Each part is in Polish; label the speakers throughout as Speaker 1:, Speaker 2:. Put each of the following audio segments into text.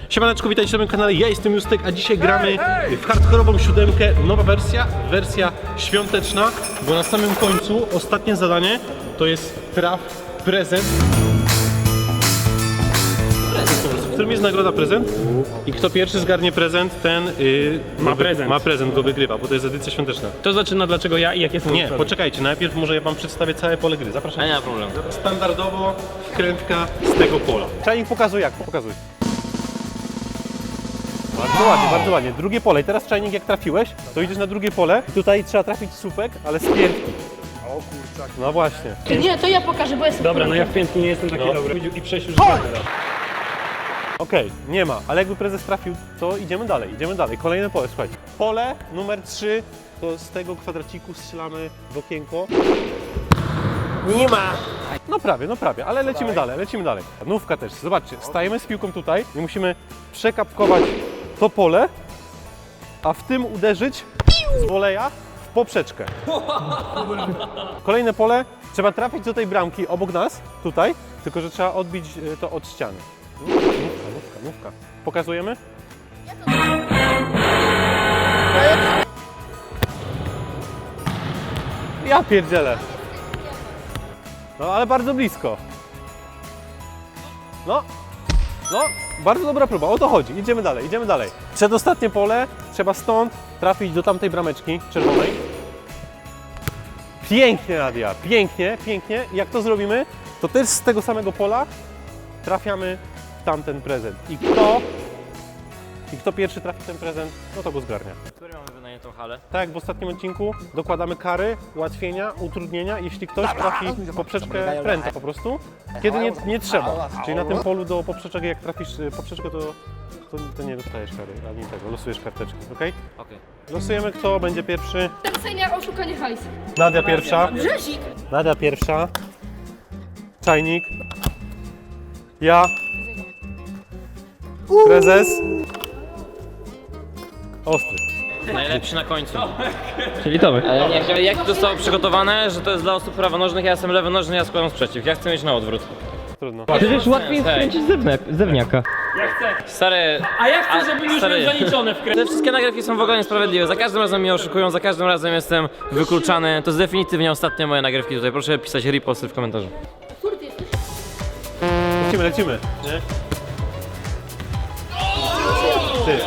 Speaker 1: Siemaneczko, witajcie na moim kanale, ja jestem Justek, a dzisiaj gramy w hardkorową siódemkę, nowa wersja świąteczna, bo na samym końcu ostatnie zadanie to jest traf prezent. W którym jest nagroda prezent i kto pierwszy zgarnie prezent, ten ma prezent, go wygrywa, bo to jest edycja świąteczna.
Speaker 2: To zaczyna dlaczego ja i jakie są
Speaker 1: Nie,
Speaker 2: zasady.
Speaker 1: poczekajcie, najpierw może ja wam przedstawię całe pole gry, zapraszam.
Speaker 2: Nie ma problemu.
Speaker 1: Standardowo wkrętka z tego pola. Czajnik pokazuj jak, pokazuj. Bardzo ładnie. Drugie pole i teraz czajnik jak trafiłeś, to idziesz na drugie pole i tutaj trzeba trafić słupek, ale z piętki. O kurczak. No właśnie.
Speaker 3: Nie, to ja pokażę, bo jestem.
Speaker 2: Dobra, no ja w piętki nie jestem taki dobry. I przejść już
Speaker 1: Okej, nie ma, ale jakby prezes trafił, to idziemy dalej. Kolejne pole, słuchajcie. Pole numer 3, to z tego kwadraciku strzelamy w okienko. Nie ma! No prawie, ale lecimy dalej. Nówka też, zobaczcie, stajemy z piłką tutaj i musimy przekapkować to pole, a w tym uderzyć z woleja w poprzeczkę. Kolejne pole, trzeba trafić do tej bramki obok nas, tutaj, tylko że trzeba odbić to od ściany. Nówka. Pokazujemy? Ja pierdzielę. No ale bardzo blisko. No, bardzo dobra próba, o to chodzi. Idziemy dalej. Przedostatnie pole, trzeba stąd trafić do tamtej brameczki czerwonej. Pięknie, Nadia, pięknie. I jak to zrobimy, to też z tego samego pola trafiamy w tamten prezent. I kto pierwszy trafi ten prezent, no to go zgarnia.
Speaker 2: Który mamy wynajętą halę?
Speaker 1: Tak jak w ostatnim odcinku, dokładamy kary, ułatwienia, utrudnienia, jeśli ktoś trafi w poprzeczkę pręta po prostu, kiedy nie trzeba. Czyli na tym polu do poprzeczek, jak trafisz poprzeczkę, to nie dostajesz kary, ani tego, losujesz karteczki, ok?
Speaker 2: Okej.
Speaker 1: Losujemy, kto będzie pierwszy.
Speaker 3: Tercenia oszukanie hajsu.
Speaker 1: Nadia pierwsza.
Speaker 3: Brzezik.
Speaker 1: Nadia pierwsza. Czajnik. Ja. Prezes. Ostry.
Speaker 2: Najlepszy na końcu. Czyli to my. Ale nie, jak to zostało przygotowane, że to jest dla osób prawonożnych, ja jestem lewonożny, ja składam sprzeciw. Ja chcę mieć na odwrót.
Speaker 1: Trudno.
Speaker 4: Przecież łatwiej skręcić zewniaka.
Speaker 2: Stary...
Speaker 4: A ja chcę, żeby już
Speaker 2: stary,
Speaker 4: miał zaliczone w
Speaker 2: Te wszystkie nagrywki są w ogóle niesprawiedliwe. Za każdym razem mnie oszukują, za każdym razem jestem wykluczany. To jest definitywnie ostatnie moje nagrywki tutaj. Proszę pisać riposty w komentarzu.
Speaker 3: Który ty jesteś?
Speaker 1: Lecimy. Nie? Ty.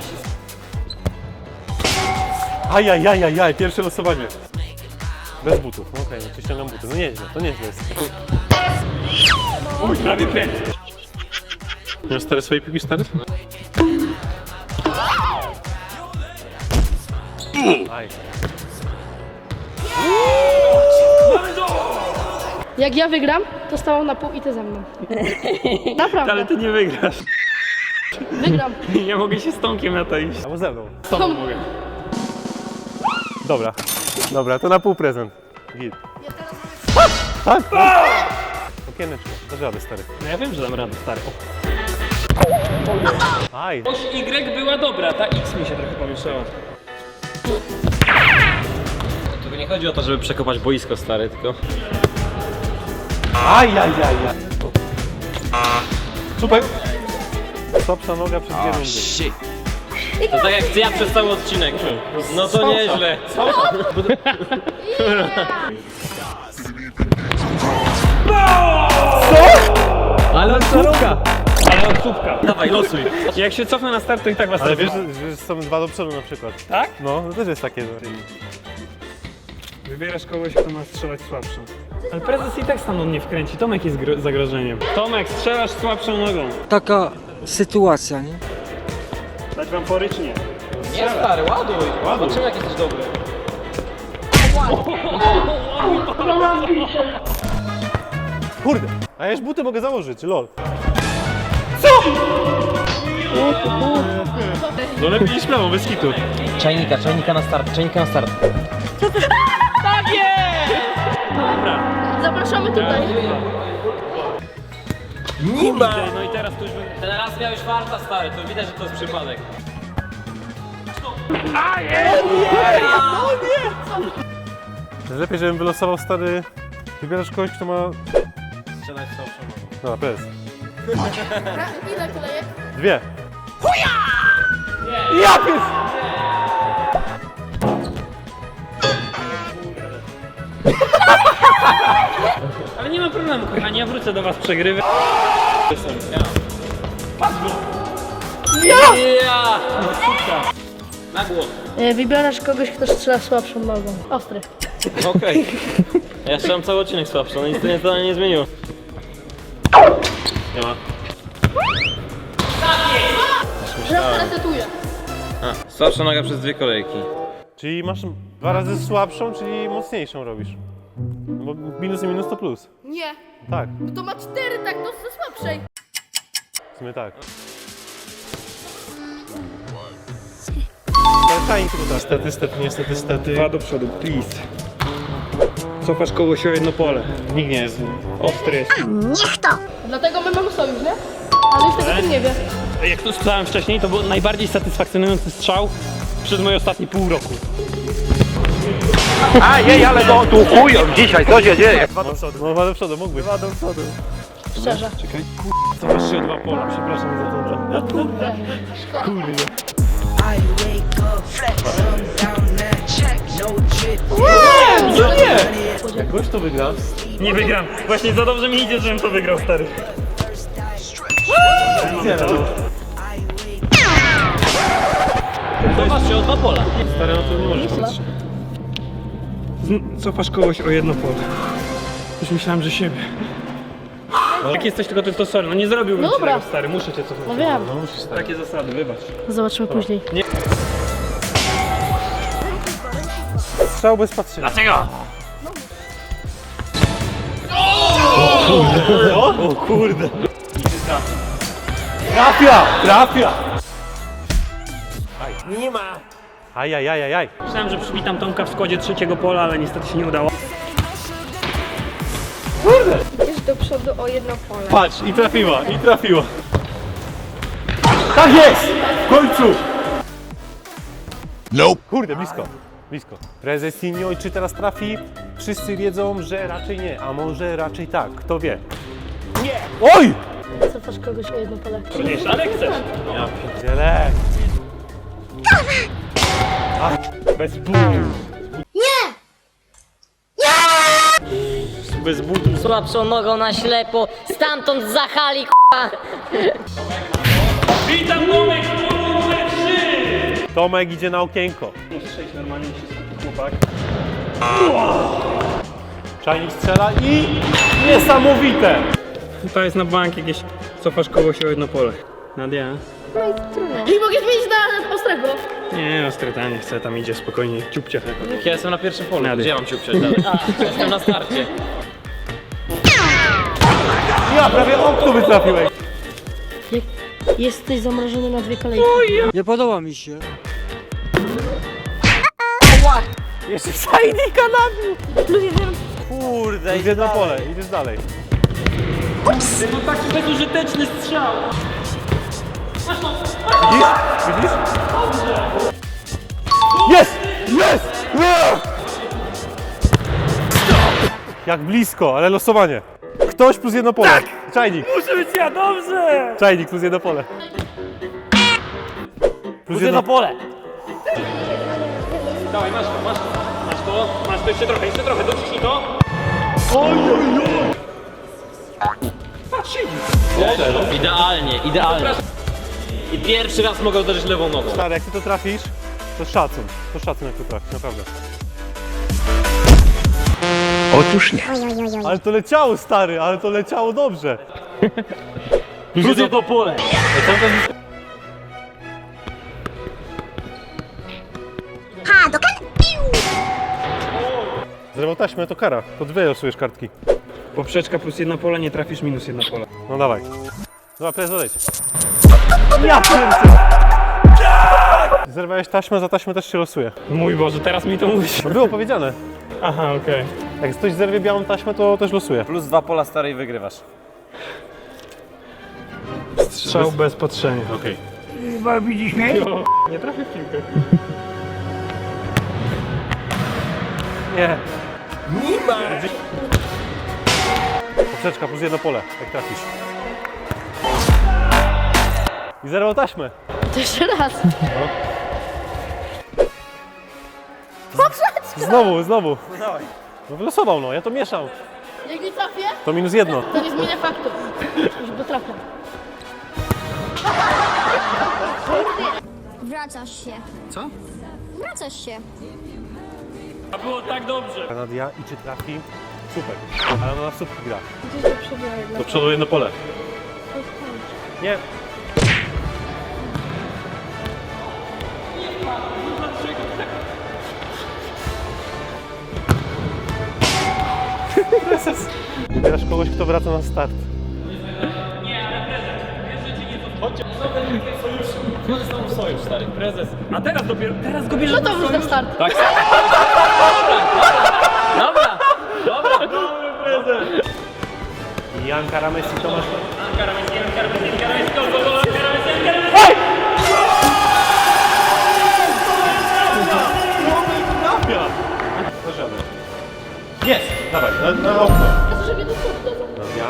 Speaker 1: Ajajajajaj, pierwsze losowanie. Bez butów, no okej, no ściągam buty, no nieźle, to nieźle jest.
Speaker 4: Uj, prawie pęd.
Speaker 1: Masz stare swoje piłki, stary? Aj.
Speaker 3: Jak ja wygram, to stałam na pół i ty ze mną. Naprawdę.
Speaker 4: Ale ty nie wygrasz.
Speaker 3: Wygram.
Speaker 4: Nie mogę się z Tomkiem na to iść.
Speaker 1: Albo ze mną.
Speaker 4: Z tobą mogę.
Speaker 1: Dobra, to na pół prezent. Git. Tak? Okieneczko, dasz radę, stary.
Speaker 4: No ja wiem, że dam radę, stary.
Speaker 1: Aj.
Speaker 4: Oś Y była dobra, ta X mi się trochę pomieszała.
Speaker 2: Tu nie chodzi o to, żeby przekopać boisko, stary, tylko...
Speaker 1: Ajajajaj. Super. Słabsza noga przez 2 rundy.
Speaker 2: To tak jak ja przez cały odcinek. No to nieźle.
Speaker 4: Ale od słupka.
Speaker 2: Dawaj, losuj.
Speaker 4: Jak się cofnę na start, to i tak was
Speaker 1: Ale
Speaker 4: trafię.
Speaker 1: wiesz, że są 2 do przodu na przykład.
Speaker 4: Tak?
Speaker 1: No, to też jest takie.
Speaker 4: Wybierasz kogoś, kto ma strzelać słabszą. Ale prezes i tak stamtąd nie wkręci. Tomek jest zagrożeniem. Tomek, strzelasz słabszą nogą.
Speaker 5: Taka sytuacja, nie?
Speaker 4: Dać wam pory czy nie?
Speaker 2: Nie, stary, ładuj. Zobaczymy, jak jesteś dobry.
Speaker 1: Kurde, a ja już buty mogę założyć, lol. No lepiej niż prawo, bez kitu.
Speaker 2: Czajnika na start.
Speaker 3: Tak jest!
Speaker 4: Dobra.
Speaker 3: Zapraszamy tutaj.
Speaker 4: No i teraz to już będzie...
Speaker 2: Ten raz miałeś farta, stary, to widać, że to jest przypadek.
Speaker 1: Lepiej, żebym wylosował, stary. Wybierasz kogoś, kto ma...
Speaker 2: Strzelać słabszą nogą.
Speaker 1: Dobra, prezes.
Speaker 3: Ile kolejek?
Speaker 1: 2. Ja pies!
Speaker 4: Ale nie ma problemu, kochani, ja wrócę do was przegrywy.
Speaker 2: Ja! Na głos.
Speaker 3: Wybierasz kogoś, kto strzela słabszą nogą. Ostry.
Speaker 2: Okej. Ja strzelam cały odcinek słabszy, no nic to nie zmieniło. Nie ma.
Speaker 3: Teraz resetuję.
Speaker 2: A, słabsza noga przez 2 kolejki.
Speaker 1: Czyli masz 2 razy słabszą, czyli mocniejszą robisz. Bo minus i minus to plus.
Speaker 3: Nie,
Speaker 1: Tak,
Speaker 3: to ma 4, tak, no ze słabszej.
Speaker 1: w sumie tak. Czajnik tutaj. Niestety.
Speaker 4: 2 do przodu, please. Cofasz kogoś o jedno pole.
Speaker 1: Nikt nie jest.
Speaker 4: Ostry jest.
Speaker 3: Dlatego my mamy sojusz, nie? Ale już tego nie wie.
Speaker 4: Jak to strzelałem wcześniej, to był najbardziej satysfakcjonujący strzał przez moje ostatnie pół roku.
Speaker 6: ale to tu chują dzisiaj, co się dzieje?
Speaker 1: No 2 do przodu, mógłbyś.
Speaker 3: Szczerze.
Speaker 1: To masz się o 2 pola, przepraszam za to.
Speaker 3: Kurde.
Speaker 1: Kurde. Jak gość to wygra,
Speaker 4: Nie wygram. Właśnie za dobrze mi idzie, żebym to wygrał, stary.
Speaker 2: Cofasz się o 2 pola.
Speaker 1: stary, no to nie możesz patrzeć.
Speaker 4: Cofasz kogoś o jedno pole. Już myślałem, że siebie. Jak jesteś tylko to sorry, no nie zrobiłbym
Speaker 3: No
Speaker 4: ci
Speaker 3: dobra.
Speaker 4: tego, stary, muszę cię cofnąć.
Speaker 3: No wiem.
Speaker 4: Takie zasady, wybacz.
Speaker 3: Zobaczymy później.
Speaker 1: Strzał bez patrzenia.
Speaker 2: Dlaczego?
Speaker 1: O kurde. Trafia! Nie ma. Ajajajajaj.
Speaker 4: Myślałem, że przywitam Tomka w składzie 3 pola, ale niestety się nie udało.
Speaker 3: Idziesz do przodu o jedno pole.
Speaker 1: Patrz, i trafiła. Tak jest! W końcu! Kurde, blisko. Prezesinho, i czy teraz trafi? Wszyscy wiedzą, że raczej nie, a może raczej tak, kto wie. Nie! Oj!
Speaker 3: Cofasz kogoś o jedno pole.
Speaker 4: Wiesz, ale chcesz.
Speaker 1: Ja pierdzielę.
Speaker 4: Bez budu. Bez budu.
Speaker 7: Słabszą nogą na ślepo, stamtąd za hali k***a.
Speaker 4: Witam Tomek, numer 3!
Speaker 1: Tomek idzie na okienko.
Speaker 4: Muszę przejść normalnie, się skupi chłopak.
Speaker 1: Czajnik strzela i... Niesamowite!
Speaker 4: To jest na bank jakieś, cofasz kogoś o jedno pole. Nadia?
Speaker 3: I mogę zmienić na ostrego.
Speaker 4: Nie, ostry, nie chcę, tam idzie spokojnie, ciupcia.
Speaker 2: Jak ja jestem na pierwszym polu,
Speaker 4: Nady.
Speaker 2: gdzie ja mam się uprzeć dalej? Jestem na starcie.
Speaker 1: Ja prawie okno wytrafiłeś.
Speaker 3: Jesteś zamrożony na 2 kolejki.
Speaker 5: Nie podoba mi się.
Speaker 1: Jeszcze czajnika nabił.
Speaker 3: Plus 1.
Speaker 1: Kurde, idzie na pole, idziesz dalej.
Speaker 4: No taki bezużyteczny strzał!
Speaker 1: Widzisz? Jest! Jak blisko, ale losowanie. Ktoś plus jedno pole. Tak! Czajnik.
Speaker 4: Muszę być ja, dobrze!
Speaker 1: Czajnik plus jedno pole. Plus
Speaker 2: Jedno pole.
Speaker 4: Dawaj, masz to, jeszcze trochę, dociśnij to.
Speaker 2: Idealnie. I pierwszy raz mogę uderzyć lewą nogą.
Speaker 1: Stary, jak ty to trafisz, to szacun. To szacun, jak to trafisz, naprawdę.
Speaker 6: Otóż nie.
Speaker 1: Ale to leciało, stary, ale to leciało dobrze.
Speaker 2: Plus jedno pole.
Speaker 1: Zerwał taśmę, to kara. To 2 losujesz kartki.
Speaker 4: Poprzeczka plus jedno pole, nie trafisz minus jedno pole.
Speaker 1: No dawaj. Dobra, prezes, odejdź. Ja pierdzę! Zerwałeś taśmę, za taśmę też się losuje.
Speaker 4: Mój Boże, teraz mi to mówisz.
Speaker 1: No było powiedziane.
Speaker 4: Aha, okej.
Speaker 1: Jak ktoś zerwie białą taśmę, to też losuje.
Speaker 2: Plus 2 pola starej wygrywasz.
Speaker 4: Strzał bez patrzenia.
Speaker 1: Okej.
Speaker 4: Nie trafię w piłkę.
Speaker 1: Nie. Poprzeczka plus jedno pole, jak trafisz. I zerwał taśmę.
Speaker 3: To jeszcze raz.
Speaker 1: Znowu. No wylosował, no, ja to mieszał.
Speaker 3: Jak nie trafię,
Speaker 1: To -1.
Speaker 3: to nie zmienię faktu. Już bo trafię.
Speaker 8: Wracasz się.
Speaker 4: Co?
Speaker 8: Wracasz się.
Speaker 4: A było tak dobrze.
Speaker 1: Nadia i czy trafi? Super. Ale ona na słupki gra.
Speaker 3: Gdzieś do przodu jednak.
Speaker 1: Do przodu jedno pole. Nie. Prezes. Wybierasz kogoś, kto wraca na start.
Speaker 2: Sojusz, stary.
Speaker 4: Prezes. A teraz dopiero, teraz go bierzesz
Speaker 3: No to już na start.
Speaker 2: Tak. Dobra.
Speaker 1: Jan Karamesi, Tomasz. Jest! Dawaj, na okno.
Speaker 3: Ja żeby do przodu dadzą.
Speaker 1: Nadia.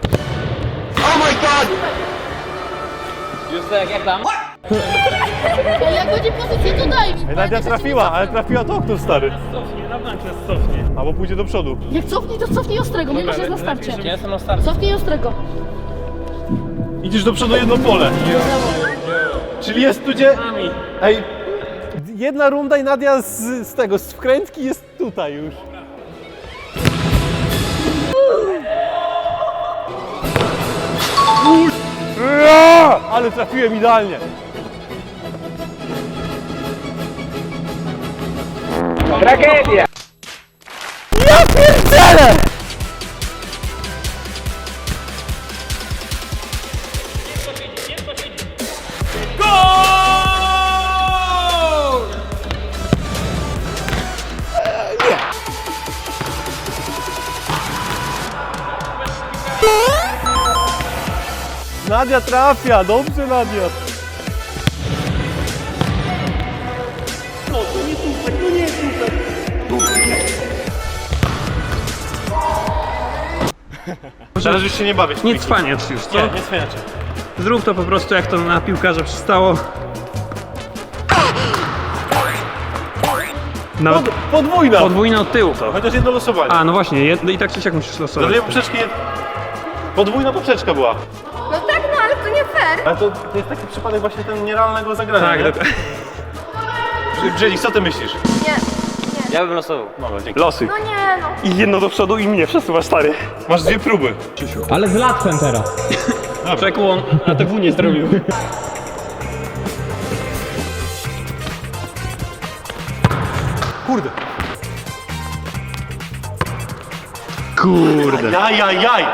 Speaker 2: Już tak jak tam?
Speaker 3: Jak będzie pozycja, to daj mi.
Speaker 1: Nadia trafiła, ale trafiła to okno, stary.
Speaker 4: cofnie, na bank nas cofnie.
Speaker 1: Albo pójdzie do przodu.
Speaker 3: Jak cofnij, to cofnij ostrego, mimo że jest na starcie.
Speaker 2: Ja jestem na starcie.
Speaker 3: Cofnij ostrego.
Speaker 1: Idziesz do przodu jedno pole. Czyli jest tu gdzie... Ej, jedna runda i Nadia z tego, z wkrętki jest tutaj już. Ale trafiłem idealnie.
Speaker 6: Tragedia!
Speaker 1: Ja pierdzielę! Nadia trafia, dobrze Nadia. No to nie słupek, to nie jest słupek. Teraz już się nie bawię.
Speaker 4: Nie cwaniacz już, co?
Speaker 1: Nie, nie cwaniacie.
Speaker 4: Zrób to po prostu jak to na piłkarze przystało. Nawet
Speaker 1: Podwójna.
Speaker 4: podwójne od tyłu to.
Speaker 1: Chociaż jedno losowanie.
Speaker 4: A, no właśnie, i tak czy siak musisz
Speaker 1: Za
Speaker 4: losować.
Speaker 1: dwie poprzeczki. Podwójna poprzeczka była.
Speaker 8: No tak, no ale to nie fair.
Speaker 1: Ale to jest taki przypadek właśnie ten nierealnego zagrania.
Speaker 4: Tak,
Speaker 1: nie?
Speaker 4: dokładnie.
Speaker 1: Brzezik, co ty myślisz?
Speaker 8: Nie.
Speaker 2: Ja bym losował.
Speaker 1: Dobra, dzięki.
Speaker 4: Losy.
Speaker 8: No nie, no.
Speaker 4: I jedno do przodu i mnie przesuwasz, stary.
Speaker 1: Masz dwie próby.
Speaker 4: Ale z łatwem teraz. Przekłon, a TW nie zrobił.
Speaker 1: Kurde.
Speaker 4: Kurde.
Speaker 1: Jaj.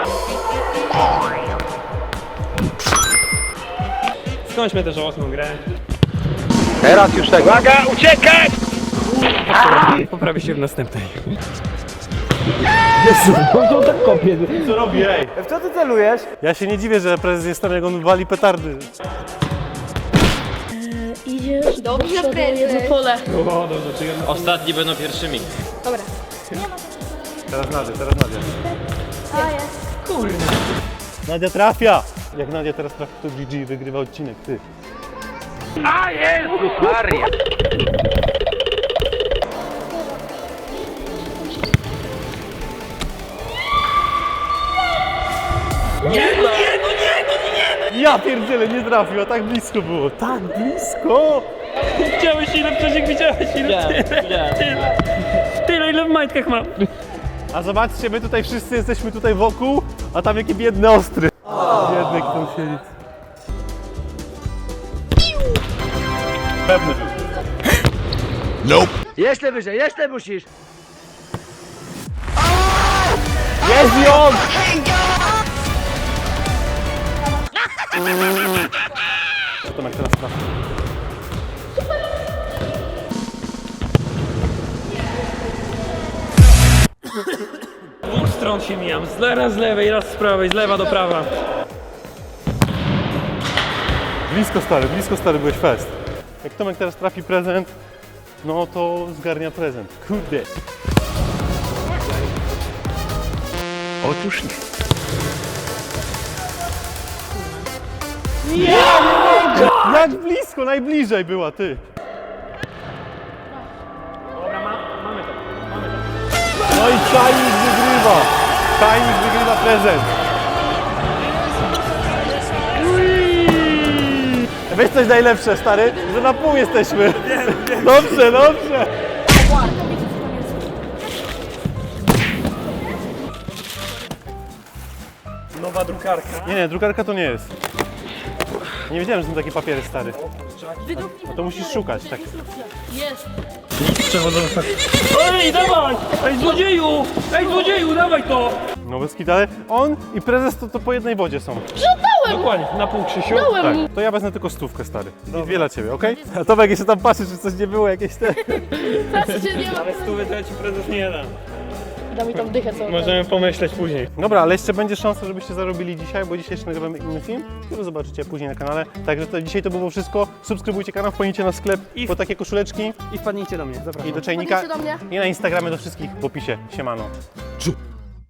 Speaker 4: Skończmy tę żałosną grę.
Speaker 6: Teraz już tego. Uwaga, uciekać!
Speaker 4: Poprawię się w następnej.
Speaker 1: Co robi, ej?
Speaker 6: W co ty celujesz?
Speaker 1: Ja się nie dziwię, że prezes jest tam, jak on wali petardy.
Speaker 3: Idziesz
Speaker 8: Dobrze,
Speaker 3: do przodu,
Speaker 8: prezes.
Speaker 3: jedno pole.
Speaker 4: O, dobrze, czy jedno...
Speaker 2: Ostatni będą pierwszymi.
Speaker 3: Dobra.
Speaker 1: Teraz Nadia.
Speaker 8: A jest.
Speaker 1: Nadia trafia! Jak Nadia teraz trafi, to GG wygrywa odcinek, ty.
Speaker 6: A Jezus Maria!
Speaker 1: Ja pierdzielę, nie trafił, a tak blisko było. Tak blisko!
Speaker 4: Widziałeś ile przeciek, widziałeś ile? Tyle ile w majtkach mam.
Speaker 1: A zobaczcie, my tutaj wszyscy jesteśmy tutaj wokół, a tam jaki biedny ostry. Biedny, kto tam siedzi. Pewny był.
Speaker 6: Jeszcze wyżej, jeszcze musisz!
Speaker 1: Jest i on! Co Tomek teraz trafi?
Speaker 4: Z dwóch stron się mijam. Raz z lewej, raz z prawej, z lewa do prawa.
Speaker 1: Blisko stary, byłeś fest. Jak Tomek teraz trafi prezent, no to zgarnia prezent. Kurde.
Speaker 6: Otóż nie.
Speaker 1: Nie! Jak blisko, najbliżej była, ty.
Speaker 4: Dobra, mamy to.
Speaker 1: No i Czajnik wygrywa. Czajnik wygrywa prezent. Weź coś najlepsze, stary, że na pół jesteśmy. Dobrze, dobrze.
Speaker 4: Nowa drukarka.
Speaker 1: Nie, drukarka to nie jest. Nie wiedziałem, że są takie papiery, stary. No to musisz szukać, tak.
Speaker 3: Jest.
Speaker 4: Przewodząca. Ej, dawaj! Ej, złodzieju! Ej, złodzieju, dawaj to!
Speaker 1: No bez kitary. On i prezes to po jednej wodzie są.
Speaker 4: Dokładnie, na pół, Krzysiu.
Speaker 1: Tak, to ja wezmę tylko 100, stary. I dwie dla ciebie, okej? A Tomek jeszcze tam patrzy, czy coś nie było, jakieś te...
Speaker 3: Patrzcie, nie ma.
Speaker 4: Ale 100 to ja ci prezes nie dam.
Speaker 3: Da mi tam dychę co.
Speaker 4: Możemy pomyśleć później.
Speaker 1: Dobra, ale jeszcze będzie szansa, żebyście zarobili dzisiaj, bo dzisiaj jeszcze nagrywamy inny film, który zobaczycie później na kanale. Także to dzisiaj to było wszystko. Subskrybujcie kanał, wpadnijcie na sklep po takie koszuleczki
Speaker 4: I wpadnijcie do mnie, zapraszam.
Speaker 1: i do czajnika.
Speaker 3: Wpadnijcie do mnie.
Speaker 1: I na Instagramie do wszystkich w opisie. Siemano.